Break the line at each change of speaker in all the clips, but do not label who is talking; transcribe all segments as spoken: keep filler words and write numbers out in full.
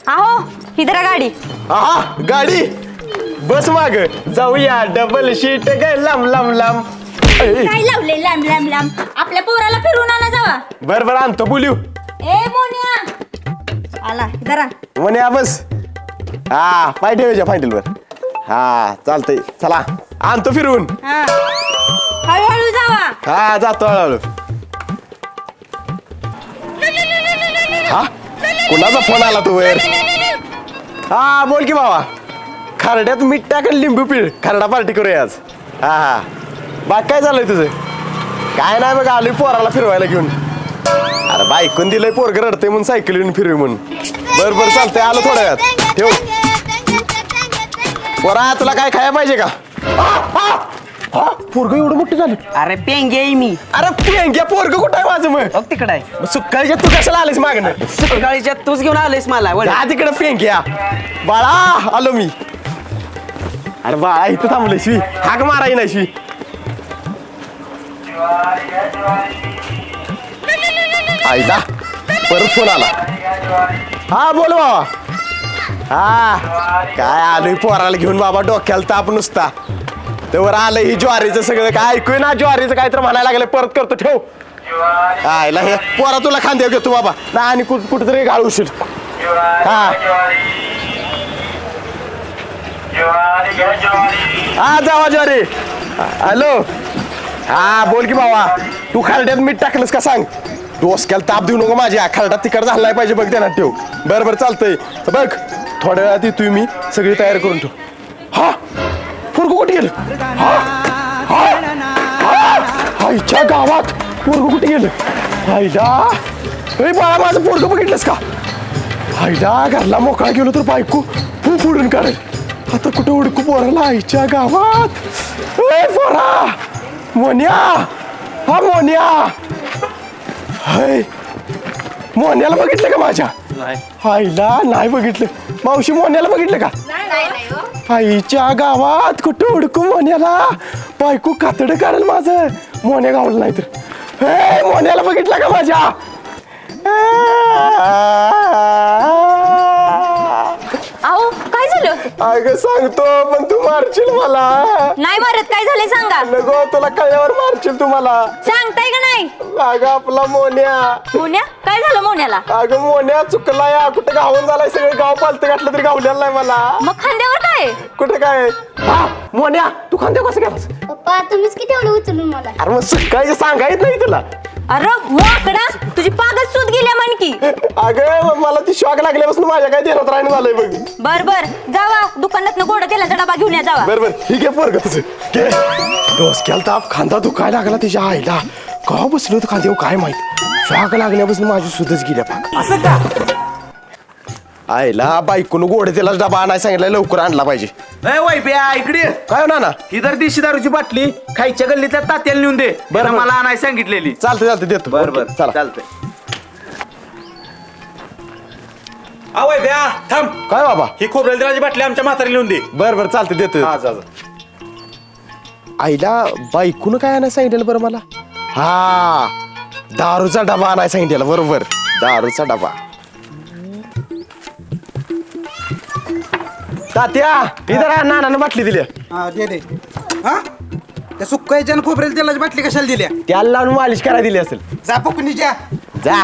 आहो ही धरा गाडी.
हा गाडी बस माग जाऊया डबल शीट ग लांब लांब लांब.
काय लावले लांब लांब लांब आपल्या पोराला फिरून आणा जावा.
बर बर आणतो बोलू.
ए मोन्या आला धरा.
म्हणे बस हा पाय ठेवायच्या फायनलवर. हा चालतंय चला आणतो फिरून.
हा हळूहळू जावा.
हा जातो हळूहळू. हा कुणाचा फोन आला तू वर. हा बोल की बाबा. खरड्यात मीठ टाक आणि लिंबू पिळ खरडा पार्टी करूया आज. हा हा बाग काय चाललंय तुझं. काय नाही बघ आलोय पोराला फिरवायला घेऊन. अरे बायकून दिलंय पोरग रडतंय म्हणून सायकल येऊन फिरवी म्हणून. बर बर चालतंय आलो थोड्या वेळात ठेव. पोरा तुला काय खायला पाहिजे का. पोरग एवढं मोठं झालं.
अरे पेंगे आहे मी.
अरे पेंग्या पोरग कुठं आहे माझं मग.
बघ तिकडे आहे.
सुकाळीच्या तू कशाला आलीस मागणं.
सकाळीच्या तूच घेऊन आलेस मला वळ.
जा तिकडं पेंग्या. बाळा आलो मी. अरे बाळा इथं थांबलं शिवी हाक माराय ना शिवी. आईला परत फोन आला. हा बोल बाबा. हा काय आलोय पोराला घेऊन बाबा डोक्याला ताप नुसता. तेवर आलं ही ज्वारीचं सगळं काय ऐकूय ना ज्वारीचं काय तर म्हणायला लागलं परत करतो ठेव. आईला हे पोरा तुला खांद्यावर घेतो बाबा ना आणि कुठ कुठेतरी घालूशील. हा हा जावा ज्वारी. हॅलो हा बोल की बाबा. तू खरड्यात मीठ टाकलंस का सांग. डोसक्याला ताप देऊ नको माझ्या. खरडा तिकड झाला नाही पाहिजे बघ त्यांना ठेव. बरं बरं चालतंय बघ थोड्या वेळात येतोय मी सगळी तयारी करून ठेव. हा पोरगं कुठे गेलं. हा हा आईच्या गावात पोरगं कुठे गेलं. आईला ए बाळा माझं पोरगं बघितलंस का. आईला घरला मोकळा गेलो तर बायको फू फोडून काढेल. आता कुठं उडकू पोराला आईच्या गावात. ए पोरा मोन्या. हा मोन्या. हाय मोन्याला बघितलं का माझ्या. आईला नाही बघितलं. मावशी मोन्याला बघितलं का. आईच्या गावात कुठं उडकू मोन्याला. बायको कातडं काढेल माझं मोन्या गावलं नाही तर. ए मोन्याला बघितलं का माझ्या.
आहो काय झालं.
अगं सांगतो पण तू मारशील मला.
नाही मारत काय झालंय सांगा.
नको तुला कळल्यावर मारशील तू मला.
सांगताय का नाही.
अगं आपला मोन्या.
मोन्या काय झालं मोन्याला.
अगं मोन्या चुकला या कुठं गावून झालाय सगळं गाव पालतं घातलं तरी गावलेलं नाही मला.
मग खांद्यावर काय.
कुठं काय. हा मोन्या तू खांद्या कसं गेलास.
पप्पा तुम्हीच किती एवढं उचलून मला.
अरे मग सकाळी सांगायच नाही तुला.
अरे वाकडा तुझी पागच सूत गेल्या म्हणकी.
अगं मला ती शॉक लागल्यापासून माझ्या काय देण्यात राहणं झालंय बघ.
बर बर जावा दुकानात गोड तेलाचा डबा घेऊन या जावा.
बर बर ठीक आहे पोरग तुझं घे. डोसक्याला ताप खांदा दुखायला लागला तिच्या आईला. का बसलो होतं खांद्यावर काय माहित. शॉक लागल्यापासून माझी सुधच गेल्या पाक. असं का आईला बायकोनं गोड तेलाचा डबा आणायला सांगितलं लवकर आणला पाहिजे.
वैब्या इकडे
काय होणार ना.
ही तर देशी दारूची बाटली खायच्या गल्लीच्या तात्याला नेऊन दे. बरं मला आणायला सांगितलेली.
चालतं चालतं देतो.
बरं बरं
चला
चालतंय. आ वैब्या थांब.
काय बाबा.
ही खोबरेल तेलाची बाटली आमच्या म्हातारीला नेऊन दे.
बर बर चालतं देतो.
हा जा जा.
आईला बायकोनं काय आणायला सांगितलं बरं मला. हा दारूचा डबा आणायला सांगितलेला बरोबर. दारूचा डबा. तात्या इधर नानानं बाटली दिली.
हा दे दे. हा त्या सुक्कायच्या आणि खोबरेल तेलाची बाटली कशाला दिल्या.
त्याला लावून मालिश करायला दिली असेल.
जा पकुनीच्या.
जा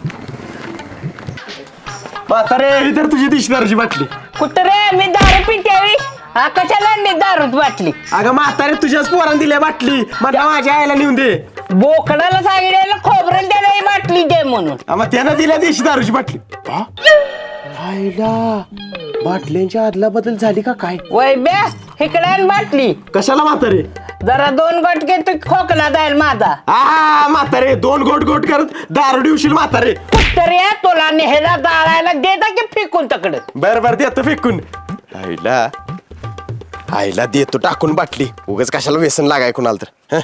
म्हातारे इधर तुझी दिशदारूची बाटली.
कुठं रे मी दारू पिट्यावी. हा कशाला आणली दारू बाटली.
अगं म्हातारे तुझ्याच पोरानं दिल्या बाटली. मला माझ्या आईला नेऊन दे.
बोकडाला सांगितलेलं खोबरेल त्याला बाटली दे म्हणून.
हा, मग त्यानं दिल्या देशी दारूची बाटली. हा? आईला बाटल्यांच्या आदला बदल झाली का काय.
वैब्या इकडे आण बाटली.
कशाला म्हातारे.
जरा दोन गटके तू खोकला जाईल माझा.
हा म्हातारे दोन गोट गोट करत दारू दिवशील म्हातारे.
तरी तुला नेहरा जाळायला देता की फेकून तकडे.
बर बर देतो फेकून. आईला आईला देतो टाकून बाटली. उगाच कशाला व्यसन लागाय कुणाला तर.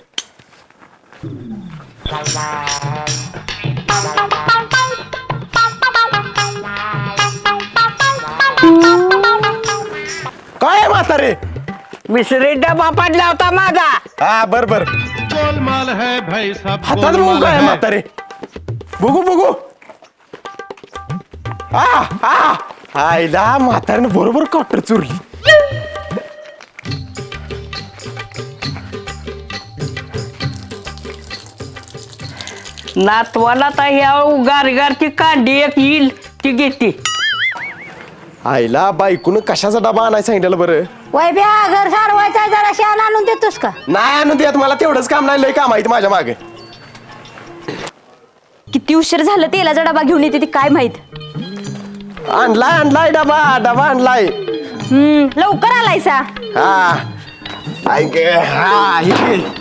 काय म्हातारे.
मिसरी डबा पडला होता माझा.
हा बर बर
गोलमाल है भाई सब
हातात बघू काय म्हातारे. बघू बघू. हा हा आईला म्हाताऱ्यानं बरोबर कॉटर चुरली.
नातवाला तर ह्या गारगारची कांडी एक येईल ती घेते.
आईला बायकून कशाचा डबा आणायला सांगितलं बरं.
वय ब्या घर सारवायचा जरा शान आणून देतोस का?
नाही आणून देत मला तेवढंच काम नाही लय काम आहे माझ्या मागे.
किती उशीर झालं तेलाचा डबा घेऊन येते ती काय माहित.
आणलाय आणलाय डबा डबा आणलाय.
हम्म लवकर आलायसा.
हा ऐक हा हे घे.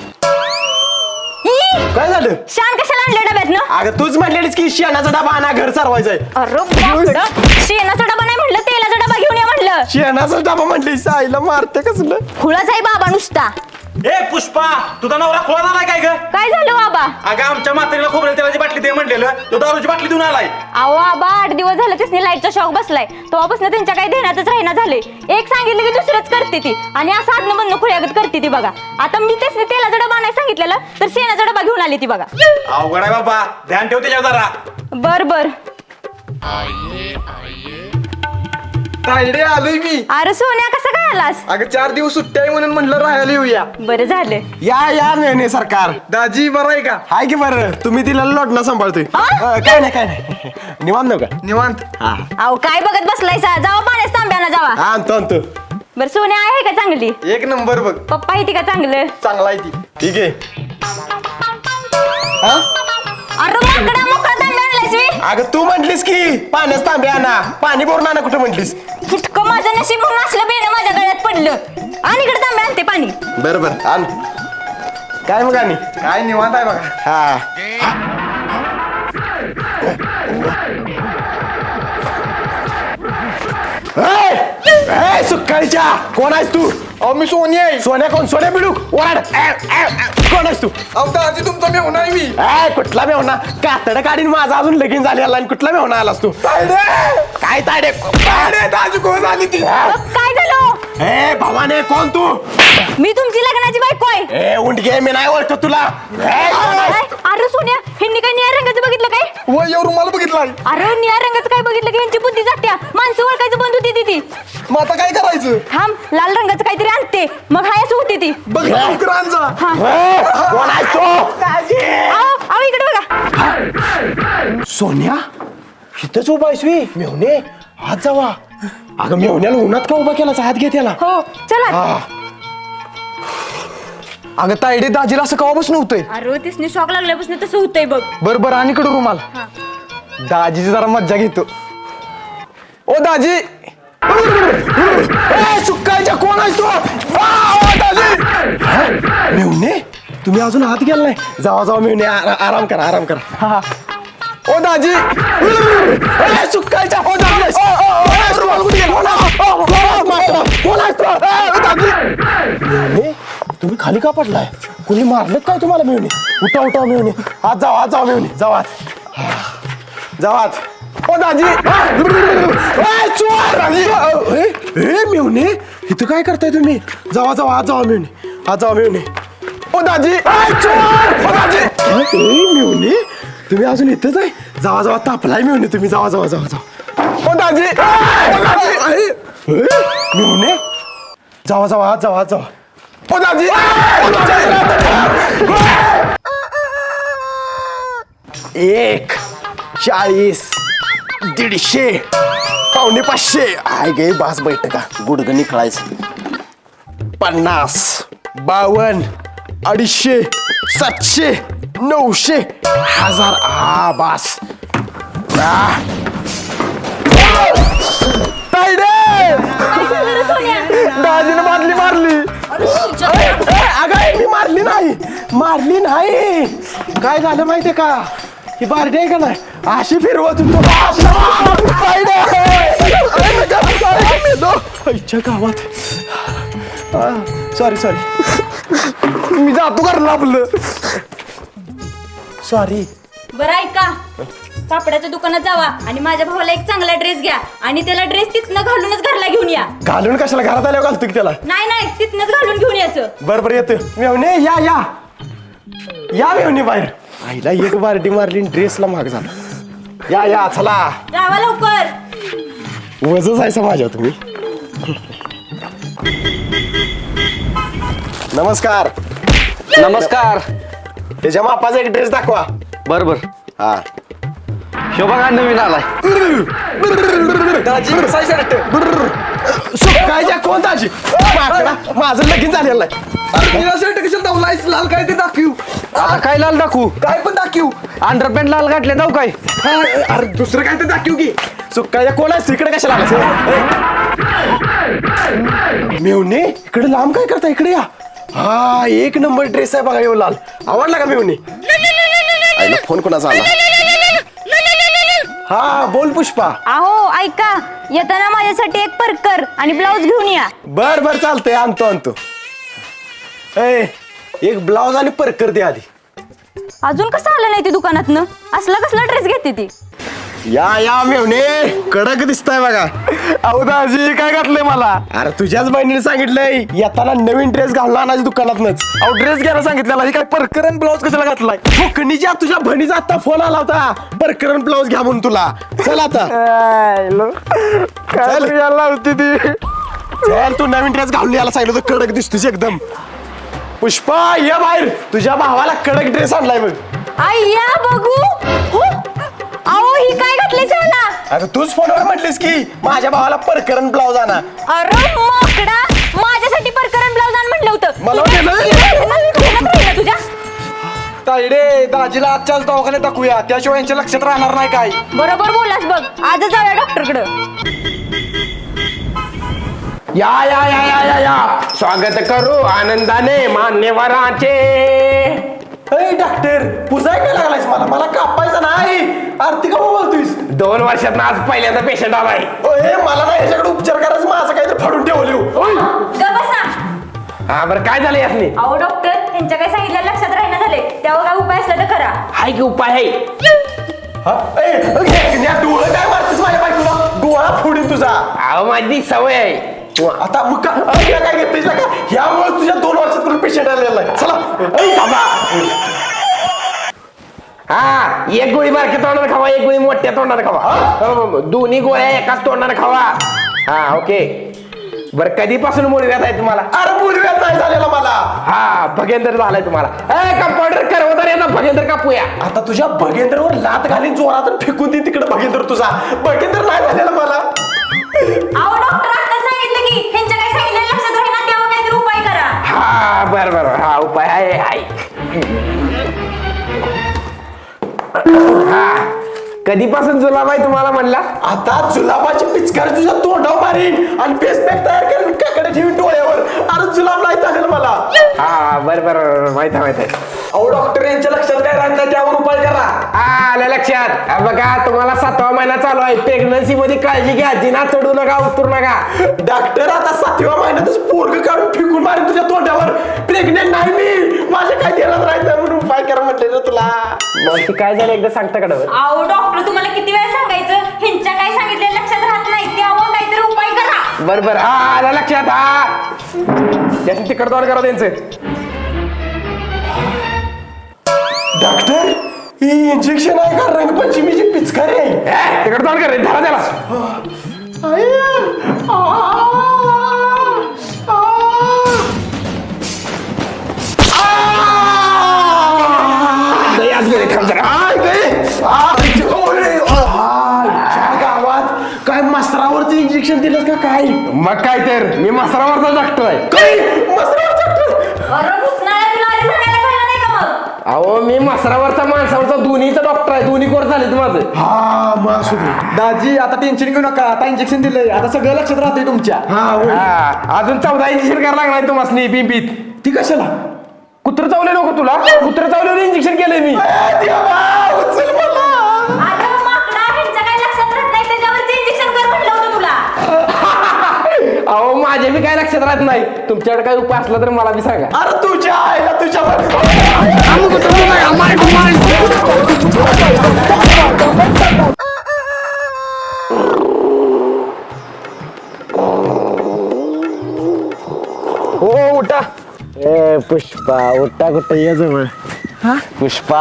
ई,
काय झालं.
शान कशाला आणलं डब्यात ना?
अगं तूच म्हणलेलीस की शेणाचा डबा आणा घर सारवायचंय.
अरे बापडं, शेणाचा डबा नाही म्हणलं तेलाचा डबा घेऊन ये म्हणलं.
शेणाचा डबा म्हणलीस आईला मारते कसलं.
खुळाच आहे बाबा नुसता.
ए पुष्पा तुझा नवरा खोळा झालाय काय ग?
काय झालं बाबा?
अगं आमच्या म्हातारीला खोबरेल तेलाची बाटली दे म्हणलेलं तो दारूची बाटली देऊन आलाय.
अहो बाबा आठ दिवस झालं त्यासनी लाईटचा शॉक बसलाय. तेव्हापासून त्यांच्या काही ध्यानातच राहिना झाले. एक सांगितलं की दुसरंच करते ती आणि असं आदनं बंद खुळ्यागत करते ती बघा. आता मी त्यासनी तेलाचा डबा नाही सांगितलेला तर शेणाचा डबा घेऊन आली ती बघा.
अवघड आहे बाबा ध्यान ठेव त्याच्यावर जरा.
बर बर.
तायडे आलोय मी.
अरे सोन्या कसं काय आलास?
अगं चार दिवस सुट्टी आहे म्हणून म्हणलं राहायला येऊया.
बरं झालं.
या या मेहने सरकार.
दाजी बरं आहे का?
हाय की बरं तुम्ही तिला लोटणं सांभाळतोय.
हा?
अं, काय नाही काय नाही निवांत नव्हता.
निवांत.
हा
अहो काय बघत बसलायसा? जावा पाण्यास तांब्यानं जावा.
हा, आणतो आणतो.
बरं सोन्या आहे का चांगली?
एक नंबर बघ.
पप्पा आहे ती का चांगलं?
चांगला आहे ती.
ठीक आहे.
अरे माकडा मोकळा तांब्या आणलायस मी.
अगं तू म्हटलीस की पाण्यास तांबे आणा पाणी भरून आणा कुठं म्हटलीस.
फुटकं माझं नशीब म्हणून असलं बेणं माझ्या गळ्यात पडलं. आणि इकडे तांब्या आणते पाणी.
बरं बरं आण. काय मग आणि
काय निवांत आहे बघा.
हा ए, ए, सुक्काळीच्या कोण आहेस तू.
अहो मी सोनी आहे.
सोन्या कोण सोन्या बिडूक वाढ. ए, ए, ए, कोण आहेस तू.
अहो दाजी तुमचा मी होणार मी.
ए कुठला मेवना कातड काढीन माझा अजून लगीन झालेला आणि कुठला मेवना आलास तू. काय तायडे तायडे दाजी कोण आली ती.
अ, काय झालं?
ए भवाने कोण तू.
मी तुमची लग्नाची बायको आहे.
ए उंडगे मी नाही ओळखत तुला. ए, कोण आहेस?
अरे अरे सोन्या ह्यांनी काय निळ्या रंगाचं बघितलं काय?
वय एवढं मला बघितलाय.
अरे निळ्या रंगाचं काय बघितलं की यांची बुद्धी जात्या. माणसं ओळखायचं बंद होती ती ती.
मग आता काय करायचं.
थांब लाल रंगाचं काहीतरी आणते मग हायच होती ती.
बघ लवकर आण जा.
ए, कोण आहेस तू.
आओ आओ इकडे बघा.
सोन्या इथंच उभा आहेस वी मेवणे हात जावा. अगं मेवण्याला उन्हात का उभा केला हात घे त्याला.
हो चला.
हा
अगं तायडे दाजीला असं कवापासून होतंय.
अरे तिसने शॉक लागल्यापासून तसं होतंय बघ.
बर बर आणि कडू रुमाल. दाजीची जरा मज्जा घेतो. ओ दाजी.
ए, सुक्काळीच्या कोण आहेस तू. आ, ओ, दाजी. हा? मेवणे तुम्ही अजून हात गेला नाही. जावा जावा मेवणे आरा- आराम करा आराम करा.
हा. ओ दाजी.
ए, सुक्काळीच्या कोण आहेस? ओ, ओ, ओ, ए, रुमाल कुठे गेला? ओ, ओ, ओ, मास्टर, कोण आहेस तू? ए, दाजी. मेवणे तुम्ही खाली का पडलाय. कुणी मारलं काय तुम्हाला मेवणे. उठा उठा मेवणे हात जावा हात जावा मेवणे जावा जावा.
ओ दाजी.
ए, चोर. ए, ए, मेवणे इथं काय करताय तुम्ही. जावा जावा हात जावा मेवणे हात जावा मेवणे.
ओ दाजी.
ए, चोर. ओ, दाजी. ए, मेवणे तुम्ही अजून इथंच आहे. जावा जावा तापलाय मेवणे तुम्ही जावा जावा जावा जावा.
ओ दाजी.
ओ, दाजी. ए, ए, मेवणे जावा जावा हात जावा हात जावा.
ओ दाजी.
एक चाळीस दीडशे पावणे पाचशे आय गे बास बैठका गुडगं निखळायचं. पन्नास बावन्न अडीचशे सातशे नऊशे हजार आ बास. आ. तायडे दाजीने बादली मारली. ए, ए, अगं मी मारली नाही मारली नाही. काय झालं माहितीये का ही बारडी आहे का नाही अशी फिरवत होतो. आईच्या गावात सॉरी सॉरी
मी जातो घरला आपलं.
सॉरी.
बरं ऐका कापडाच्या दुकानात जावा आणि माझ्या भावाला एक चांगला ड्रेस घ्या आणि त्याला ड्रेस तिथनं घालूनच घरला घेऊन या.
घालून कशाला घरात आल्यावर घालतो की त्याला.
नाही नाही तिथनच घालून घेऊन यायचं.
बरं बरं येतो मेवणे या या या मेवणे बाहेर. आईला एक बारडी मारली ड्रेसला महाग झाला. या या चला.
जावा लवकर.
वजच आहे माझ्या तुम्ही. नमस्कार.
नमस्कार.
त्याच्या मापाचा एक ड्रेस दाखवा.
बर बर.
हा
शो बघा नवीन आलाय.
काय कोण दाजी माकडा माझं लगीन झालेलं आहे.
लाल काय ते दाखवू. आता काय लाल दाखवू.
काय पण दाखवू.
अंडरपॅन्ट लाल घातले जाऊ काय.
अरे दुसरं काय तर दाखवू की. सुकायच्या कोण आहे इकडे कशाला मेवणे इकडे लांब काय करता इकडे या. हा एक नंबर ड्रेस आहे बघा येऊ लाल. आवडला का मेवणे. आईला फोन कोणाचा आला. हा बोल पुष्पा.
अहो ऐका, येताना माझ्यासाठी एक परकर आणि ब्लाऊज घेऊन या.
बर बर चालतंय आणतो आणतो. ए एक ब्लाऊज आणि परकर दे आधी.
अजून कसं आलं नाही ती दुकानातनं. असला कसला ड्रेस घेते ती.
या या मेवणे कडक दिसताय बघा.
अहो दाजी काय घातलंय मला.
अरे तुझ्याच बहिणीने सांगितलंय येताना नवीन ड्रेस घालून आणायची दुकानातनच.
अहो ड्रेस घ्यायला सांगितलेला ही काय परकरन ब्लाऊज कशाला घातलाय.
फुकणीच्या तुझ्या बहिणीचा आता फोन आला होता परकरण ब्लाऊज घ्या म्हणून तुला. चल आता
काय यायला होती ती.
चल तू नवीन ड्रेस घालून यायला सांगितलं होतं. कडक दिसतोस एकदम. पुष्पा ये बाहेर तुझ्या भावाला कडक ड्रेस आणलाय बघ.
आई या बघू. हो अहो ही काय घातली मला.
अरे तूच फोनवर म्हटलीस की माझ्या भावाला परकरण ब्लाऊज आणा.
अरे माकडा, माझ्यासाठी परकरण ब्लाऊज आण म्हटलं होतं.
मला
तू काय-
वाटलं-
ध्यानात राहिलं तुझ्या.
तायडे दाजीला आजच्याच दवाखान्यात दाखवूया त्याशिवाय यांच्या लक्षात राहणार नाही काय.
बरोबर बोलास बघ. आजच जाऊया डॉक्टरकडं.
या या या या या या स्वागत करू आनंदाने मान्यवराचे. अरे डॉक्टर पुजाय काय लागलायस मला. मला कापायचं नाही. आरती का बोलतोयस.
दोन वर्षात आज पहिल्यांदा पेशंट आलाय.
ओए मला नाही ह्याच्याकडे उपचार करायचं. माझं काहीतरी फाडून ठेवले.
गप्प बसा.
हा बरं काय झालं यासनी.
अहो डॉक्टर त्यांच्या काय सांगितलं लक्षात राहिना झाले. त्यावर काय उपाय असला तर करा.
हाय की उपाय आहे.
डोळं काय मारतेस माझ्या बायकोला. डोळा फोडीन तुझा.
अहो माझी सवय आहे.
आता मग का अरे काय घेतलीस का. ह्यामुळे तुझ्या दोन वर्षात तुला पेशंट आलेला आहे. चला ऐ थांबा.
हा एक गोळी बारक्या तोंडाने खावा एक गोळी मोठ्या तोंडाने खावा. दोन्ही गोळ्या एकाच तोंडाने खावा. हा ओके. बरं कधीपासून मुळव्यात आहे तुम्हाला.
अरे पूर्व्यात नाही झालेला मला.
हा भगेंद्र झालाय तुम्हाला. ए कंपाऊंडर करवदार याचा भगेंद्र कापूया.
आता तुझ्या भगेंद्रवर लात घालीन जोरात फेकून दे तिकडे. भगेंद्र तुझा भगेंद्र नाही झालेला मला.
अहो डॉक्टर आता सांगितलं की त्यांच्या काय सांगितलं लक्षात राहिना त्यावर काहीतरी उपाय करा.
हा बर बर हा उपाय आहे आहे. हा कधीपासून जुलाब आहे तुम्हाला म्हणला.
आता जुलाबाची पिचकारी तुझ्या तोंडावर मारीन आणि फेस पॅक तयार करून काकडे ठेवीन डोळ्यावर. अरे जुलाब नाही झालेला मला.
हा बर बर माहित आहे माहित आहे.
अहो डॉक्टर यांच्या लक्षात काय राहत नाही त्यावर उपाय करा.
हा आलं लक्षात. हा, बघा तुम्हाला सातवा महिना चालू आहे. प्रेग्नन्सी मध्ये काळजी घ्या. जिना चढू नका उतरू नका.
डॉक्टर आता सातव्या महिन्यातच पोरग काढून फेकून मारेन तुझ्या तोंडावर. प्रेग्नेंट नाही मी. माझ्या काय देणार राहत नाही म्हणून उपाय करा म्हटलेलं तुला.
मग काय झालं एकदा सांगता का.
अहो डॉक्टर तुम्हाला किती वेळा सांगायचं ह्यांच्या काय सांगितलं लक्षात राहत नाही त्यावर काहीतरी उपाय करा.
बर बर हा आलं लक्षात. हा त्याचं तिकड तोड करा त्यांचं.
डॉक्टर ही इंजेक्शन आहे का रंगपंचमीची पिचकारी आहे.
तिकड तोड कर रे धरा त्याला. लय आज गेले थांब जरा.
आय गं. आय ओरे. आय, ह्या गावात काय मसरावरचं इंजेक्शन दिलं का काय.
मग काय तर मी मसरावरचा डॉक्टर आहे.
काय मसरावर डॉक्टर.
अरे घुसणाऱ्या तुला आधी सांगायला कळलं नाही का मग.
अहो मी मसरावरचा माणसावरचा दोन्हीचा डॉक्टर आहे. दोन्ही कोर्स झाले माझं.
हा मग असू दे.
दाजी आता टेन्शन घेऊ नका. आता इंजेक्शन दिलंय आता सगळं लक्षात राहतंय तुमच्या.
हा होय.
हा अजून चौदा इंजेक्शन करायला लागणार तुम्हाला पिंपीत.
ती कशाला.
कुत्र चावले नको तुला. कुत्र चावल्यावर इंजेक्शन केलंय मी.
ए, देवा, उचल मला.
आता माकडा ह्यांच्या काय लक्षात राहत नाही त्याच्यावरती इंजेक्शन कर म्हटलं होतं तुला.
अहो माझे बी काय लक्षात राहत नाही. तुमच्याकडे काय उपाय असला तर मला बी सांगा.
अरे तुझ्या आईला तुझ्या
हो उठा.
ए पुष्पा उठा कुठं ये जवळ. पुष्पा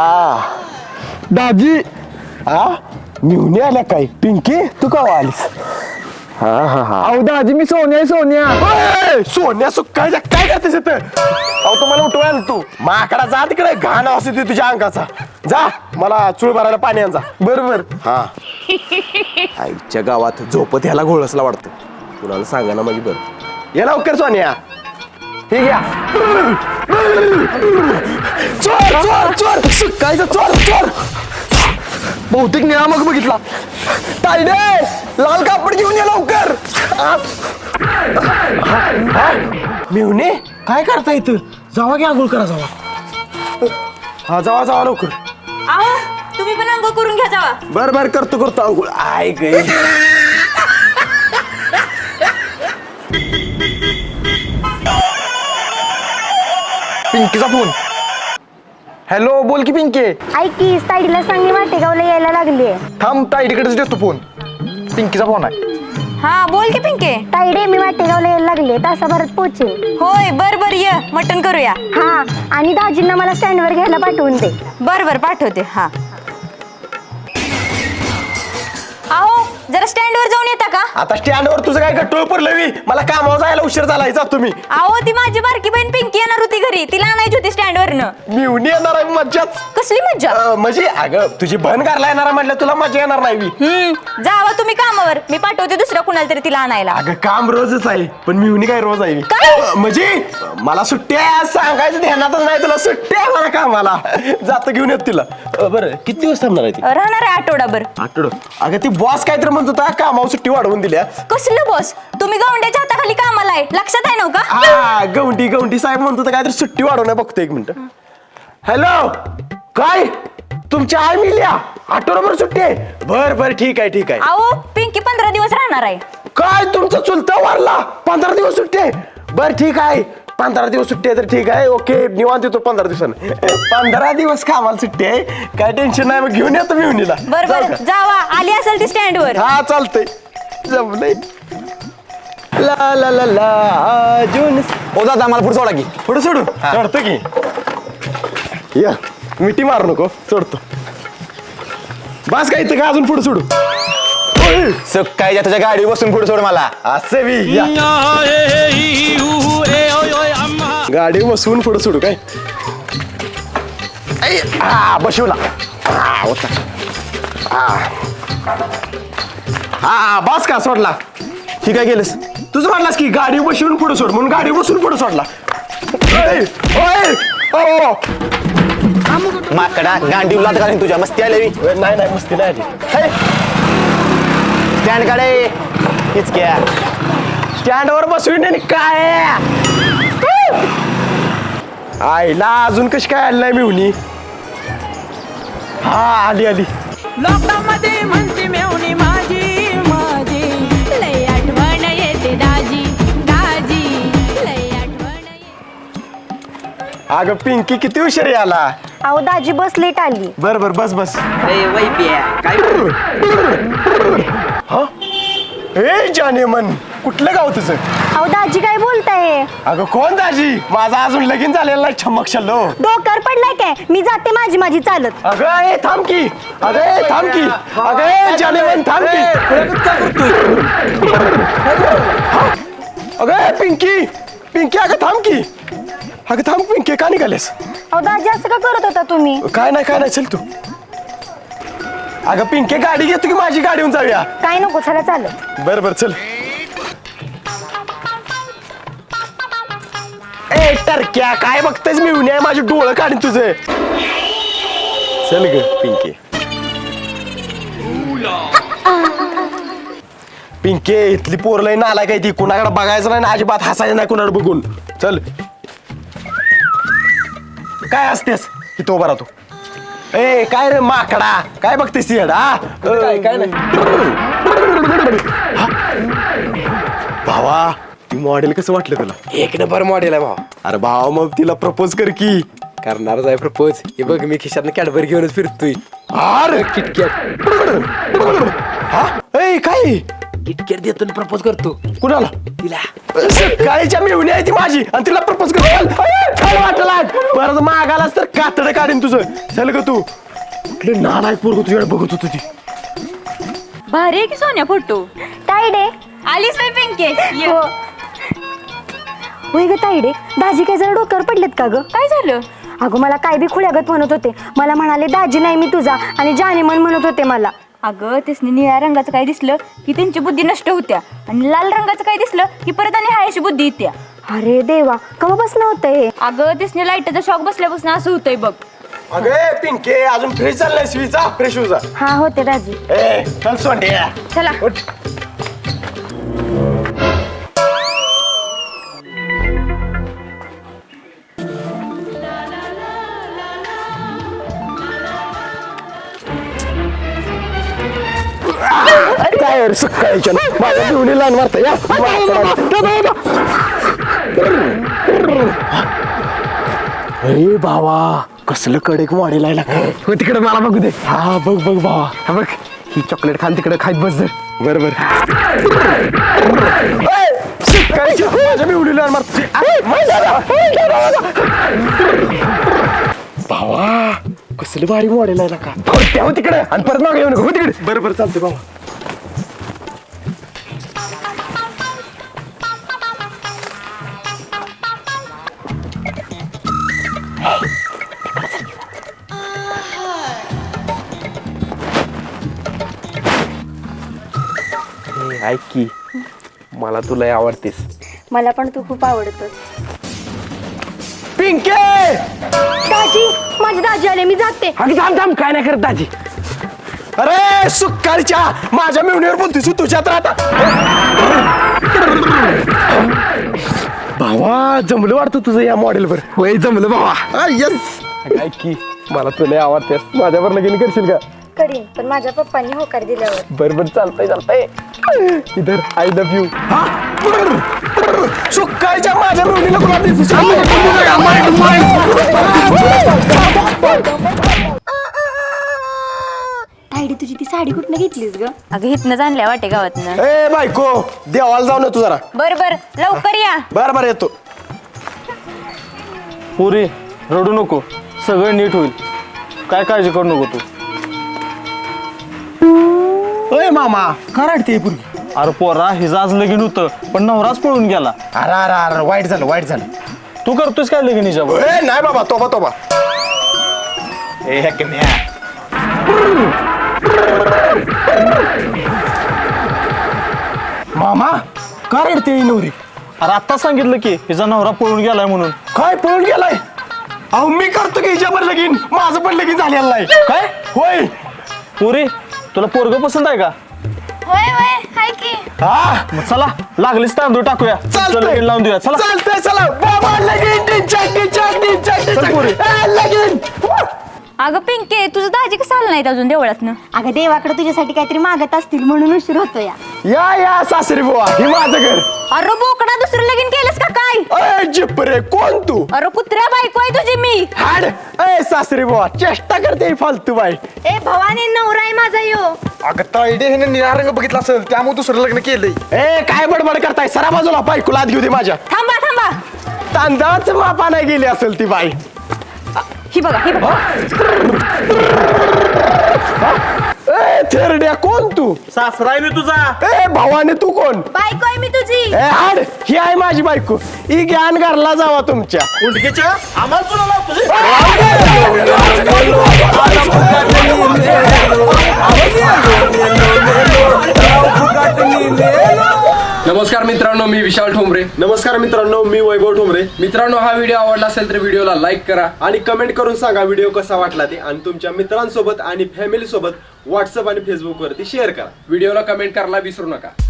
दाजी
हा मिळून आल्या काय. पिंकी तू का आलीस. हा हा हा
अहो दाजी मी सोन्या आहे, सोन्या.
ओय, सोन्या सुकायच्या काय करतेस इथं अहो तुम्हाला उठवायला तू माकडा जा तिकडे घाण असते तुझ्या अंगाचा जा मला चूळ भरायला पाणी आण जा
बरोबर.
हा आईच्या गावात झोपत ह्याला घोळसला वाटतं कुणाला सांगा ना माझी बरं ये लवकर सोन्या हे घ्या चोर चोर चोर सुकायचं चोर चोर
बहुतेक नियामक बघितला.
तायडे लाल कापड घेऊन ये लवकर मेवणे काय करता इथं जावा की आंघोळ करा जावा हा जावा जावा लवकर
आहो तुम्ही पण अंघोळ करून घ्या जावा.
बर बर करतो करतो आंघोळ आय गे
पिंकीचा फोन. हॅलो बोल की पिंके.
ऐक की ताईडीला सांगली वाटेगावला यायला लागली
थांब ताईडीकडेच देतो फोन. पिंकीचा फोन आहे.
हा बोल की पिंके.
ताईडे मी वाटेगावला यायला लागले तासाभरात पोहोचेन.
होय बर बर ये मटण करूया.
हा आणि दाजींना मला स्टँडवर घ्यायला पाठवून दे.
बर बर पाठवते. हा आहो जरा स्टँडवर जाऊन येता का.
आता स्टँडवर तुझं काय गट्टोळ पडलं मी मला कामावर जायला उशीर झाला जा तुम्ही
आहो ती माझी बारकी बहीण पिंकी येणार होती घरी तिला आणायची होती स्टँडवरनं.
मिवणी येणार आहे मज्जाच
कसली मज्जा.
अं, म्हणजे अगं तुझी बहन घरला येणार आहे म्हटलं तुला मजा येणार नाही मी
हम्म जावा तुम्ही कामावर मी पाठवते दुसऱ्या कुणाला तरी तिला आणायला.
अगं काम रोजच आहे पण मिवणी काय रोज आहे
काय?
अं, म्हणजे मला सुट्ट्या आहे, सांगायचं ध्यानातच नाही तुला सुट्ट्या आहे मला कामाला जातो घेऊन येत तिला अं, बरं किती दिवस थांबणार आहे ती
राहणार आहे आठवडाभर.
आठवड अगं ती बॉस काहीतरी म्हणत होता कामावर सुट्टी वाढवून दिल्या
कसलं बॉस तुम्ही गवंड्याच्या हाताखाली कामाला आहे लक्षात आहे नव्ह का.
हा गवंडी गवंडी साहेब म्हणत होता काहीतरी सुट्टी वाढवण्या बघतो एक मिनिट हॅलो काय तुमच्या आई मिल्या आठवडाभर सुट्टी आहे बर बर ठीक आहे ठीक आहे
आहो पिंकी पंधरा दिवस राहणार आहे.
काय तुमचा चुलता वारला पंधरा दिवस सुट्टी आहे बर ठीक आहे पंधरा दिवस सुट्टी आहे तर ठीक आहे ओके निवांत येतो पंधरा दिवसानं पंधरा दिवस कामाला सुट्टी आहे काय टेन्शन नाही मग घेऊन येतो मी उन्हीला
बर बर जावा आली असेल ती स्टँडवर.
हा चालतंय जमलंय ला ला ला ला अजून
ओ दादा मला पुढे सोडा की.
पुढे सोडू चढतो की या मिठी मार नको चढतो बस काय इथं का अजून पुढे सोडू ओय,
सकाळी तुझ्या गाडी बसून पुढे सोड मला.
असं बी या गाडी बसवून पुढे सोडू काय ऐ, हा बसवला हा होता हा हा बस का सोडला
ठीक आहे गेलंस.
तुझं म्हटलास की गाडी बसवून पुढे सोड म्हणून गाडी बसून पुढे सोडला ओय, ओय, ओ.
माकडा गांडी लात घालीन तुझ्या मस्ती आली.
ओय, नाही नाही मस्ती नाही आली
स्टँड काढे हीच क्या.
स्टँडवर बसवीन आणि काय आईला अजून कशी काय आली नाही मिळून हा आली आली
लोकांमध्ये म्हणते मेवणी माझी माझी
लय आठवण येते दाजी दाजी लय आठवण येते.
अगं पिंकी किती उशीर आला
अहो दाजी बस लेट आली.
बर बर बस बस
काय
हा ए जाने मन कुठलं गाव तुझं
अहो दाजी काय बोलताय.
अगं कोण दाजी माझा अजून लगीन झालेला नाही छमक शल्लो
डोक्यावर पडलाय काय मी जाते माझी माझी चालत.
अगं ए थांब की अगं ए थांब की अगं ए जाने मन थांब की अगं ए पिंकी पिंकी अगं थांब की अगं थांब पिंकी का निघालेस
अहो दाजी असं का करत होता तुम्ही.
काय नाही काय नाही चल तू अगं पिंके गाडी घेतो की माझी गाडी येऊन जाऊया
काय नको चला चालत.
बर बर चल ए टरक्या काय बघतेस मी उन्या माझे डोळं काढीन तुझे चल ग पिंके पिंके इथली पोरलय नाला काय ती कुणाकडे बघायचं नाही ना अजिबात हसायचं नाही कुणाकडे बघून चल काय असतेस इथं उभा राहतो ए काय रे माकडा काय बघतेस ती हा काय काय नाही भावा ती मॉडेल कसं वाटलं तुला
एक नंबर मॉडेल आहे भाऊ
अरे भावा मग तिला प्रपोज कर की
करणारच आहे प्रपोज हे बघ मी खिशातनं कॅडबरी घेऊनच फिरतोय
अरे
किटकॅट
हा ए काय
किटकॅट देतो प्रपोज करतो
कुणाला
तिला
सकाळीच्या मिळून आहे ती माझी आणि तिला प्रपोज कर वाटला परत मागालास तर कातडं काढीन तुझं चल ग तू कुठले नालायक पोरग तुझ्याकडे बघत होत ती
भारी आहे की सोन्या फोटो.
ताईडे
आलीच बाई पिंके. ये.
हो होय ग ताईडे, दाजी काय जरा डोक्यावर पडलेत का ग?
काय झालं?
अगं मला काय बी खुल्यागत म्हणत होते. मला म्हणाले दाजी नाही मी तुझा, आणि जाने मन म्हणत होते मला.
अगं त्यासनी निळ्या रंगाचं काय दिसलं की त्यांची बुद्धी नष्ट होत्या, आणि लाल रंगाचं काय दिसलं की परत आणि हायशी बुद्धी येत्या.
अरे देवा, कवापासून होतं हे?
अगं त्यासनी लाईटचा शॉक बसल्यापासून असं होतंय बग.
अगे पिंके अजून फ्रेश चाललाय स्वीचा फ्रेश होजा.
हा होते दाजी.
ए चल सोंड्या.
चला.
उठ. काय रे सकाळच्या माझ्या पिवणी लहान मारता या. अरे भावा कसलं कडक मॉडेल आहे का.
हो तिकडे मला बघू दे.
हा बघ बघ भावा.
हा बघ, ही चॉकलेट खाल तिकडे खात बस जर.
बरोबर माझ्या पिवणी लहान मारता. भावा कसलं भारी मॉडेल आहे का.
हो तिकडे आणि परत मागे येऊ नको. हो तिकडे.
बरोबर चालते भावा.
ऐक की मला तुला आवडतेस.
मला पण तू खूप आवडतोस.
पिंके
दाजी, माझे दाजी आले, मी जाते.
अगं थांब थांब, काय नाही करत दाजी.
अरे सुक्कारीच्या माझ्या मेवणीवर बोलतोस तुझ्यात राहता. भावा जमलं वाटतं तुझं या मॉडेलवर.
होय जमलं बाबा.
यस.
ऐक की मला तुला आवडतेस. माझ्यावर लगीन करशील का?
करीन, पण माझ्या पप्पांनी होकार दिल्यावर.
बरोबर चालतंय चालतंय. इधर आय लव्ह यू.
सुक्कारीच्या माझ्या मेवणीला कोणा देतोस?
ताईडे तुझी ती साडी कुठनं घेतलीस ग?
अगं हिथनं आणल्या वाटे गावातनं.
ए बायको देवाला जाऊन येतो जरा.
बर बर लवकर या.
बर बर येतो.
पुरी रडू नको, सगळं नीट होईल. काय काळजी करू नको तू.
अय मामा कराडते पूर्वी.
अरे पोरा हिचं आज लगीन होतं पण नवराच पळून गेला.
अरे अरे अरे वाईट झालं वाईट झालं.
तू करतोस काय लगीन हिच्यावर?
ए नाही बाबा तोबा तोबा.
ए हे कन्या.
मामा का रडते ही नवरी?
अरे आत्ता सांगितलं की हिचा नवरा पळून गेलाय म्हणून.
काय पळून गेलाय? अहो मी करतो की हिच्यावर लगीन. माझं पण लगीन झालेलं नाही.
काय
होय.
पुरी तुला पोरग पसंत आहे का?
होय होय हाय की.
हा
मग चला लागलीच तांदूळ टाकूया. चल, लगीन लावून देऊया. चला
चालतंय चला बाबा लगीन टिचक टिचक टिचक
चल पोरी.
टिचक लगीन.
अगं पिंके तुझं दाजी कसं आलं नाहीत अजून देवळातनं?
अगं देवाकडे तुझ्यासाठी काहीतरी मागत असतील म्हणून उशीर होतो या.
या या सासरी बुवा हे माझं घर.
अरे बोकडा दुसरं लगीन केलंस का काय?
अय जिपरे कोण तू?
अरे कुत्र्या बायको आहे तुझी मी.
हाड. अय सासरी बुवा चेष्टा करते ही फालतू बाई.
ए भवानी, नवरा आहे माझा यो.
अगं ताईडे हिने निळा रंग बघितला असेल त्यामुळे दुसरं लग्न केलंय.
ए काय बडबड करताय सरा बाजूला बायकोला आत घेऊ दे माझ्या.
थांबा थांबा.
तांदळाच मापा नाही गेली असेल ती बाई.
ही बघा ही बघा.
ए थेरड्या कोण तू?
सासरा आहे मी तुझा.
ए भावाने तू कोण?
बायको आहे मी तुझी.
ए हाड ही आहे माझी बायको. ही ज्ञान घरला जावा तुमच्या.
उंडकीच्या आम्हाला तुला लावतो.
नमस्कार मित्रांनो, मी विशाल ठोंबरे.
नमस्कार मित्रांनो, मी वैभव ठोंबरे.
मित्रांनो, हा व्हिडिओ आवडला असेल तर व्हिडिओला लाईक करा
आणि कमेंट करून सांगा व्हिडिओ कसा वाटला ते, आणि तुमच्या मित्रांसोबत आणि फॅमिली सोबत व्हॉट्सअप आणि फेसबुक वरती शेअर करा.
व्हिडिओला कमेंट करायला विसरू नका.